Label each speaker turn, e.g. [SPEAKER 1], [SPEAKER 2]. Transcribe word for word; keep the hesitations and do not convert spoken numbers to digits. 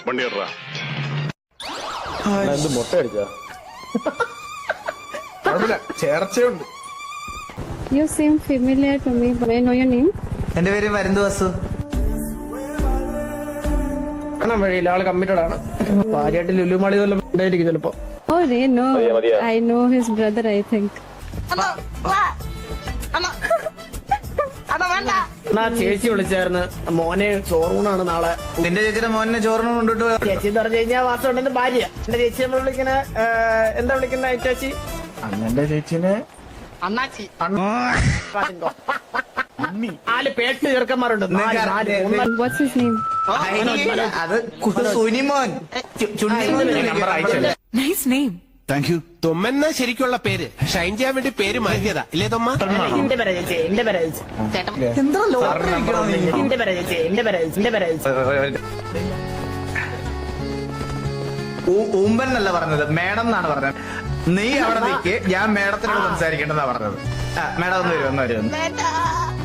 [SPEAKER 1] മുട്ട അടിച്ചാ ചേർച്ചയുണ്ട്.
[SPEAKER 2] You seem familiar to me. May I know your name?
[SPEAKER 3] എന്റെ പേര് മരുന്ന് വസു.
[SPEAKER 4] വഴിയില്ല, ആള് കമ്മിറ്റഡ് ആണ്. ഭാര്യയായിട്ട് ലുലുമാളി ഉണ്ടായിരിക്കും ചിലപ്പോ.
[SPEAKER 2] Oh, they know. I know his brother, I think.
[SPEAKER 4] എന്നാ ചേച്ചി വിളിച്ചായിരുന്നു, മോനെ ചോറൂണാണ് നാളെ.
[SPEAKER 3] നിന്റെ ചേച്ചിയുടെ മോനെ ചോറിന് കൊണ്ടിട്ട്
[SPEAKER 4] ചേച്ചി എന്ന് പറഞ്ഞു കഴിഞ്ഞാൽ വാസോണ്ടന്റെ ഭാര്യ. എന്റെ ചേച്ചി നമ്മൾ വിളിക്കുന്ന എന്താ വിളിക്കുന്ന ചേച്ചി?
[SPEAKER 1] അണ്ണന്റെ ചേച്ചിനെ
[SPEAKER 4] അണ്ണാച്ചി. നാല് പേട്ട് ചെറുക്കന്മാരുണ്ട്.
[SPEAKER 2] What's his name?
[SPEAKER 3] അത് Sunimon
[SPEAKER 5] nice name.
[SPEAKER 6] Thank you. തൊമ്മെന്ന ശരിക്കുള്ള പേര് ഷൈൻ ചെയ്യാൻ വേണ്ടി പേര് മാറ്റിയതാ ഇല്ലേ തൊമ്മ?
[SPEAKER 4] എന്റെ പേരാ ചേച്ചി, എന്റെ പേരാ ചേച്ചി.
[SPEAKER 3] എന്താ ലോട്ടറി
[SPEAKER 4] എന്റെ പേരാ ചേച്ചി, എന്റെ പേരാ ചേച്ചി, എന്റെ പേരാ ചേച്ചി.
[SPEAKER 3] ഊമ്പൻ എന്നല്ല പറഞ്ഞത്, മേഡം എന്നാണ് പറഞ്ഞത്. നീ അവിടെ നിൽക്ക്, ഞാൻ മേഡത്തിനോട് സംസാരിക്കേണ്ടെന്നാ പറഞ്ഞത്. മേഡം ഒന്ന് വരും ഒന്ന് വരും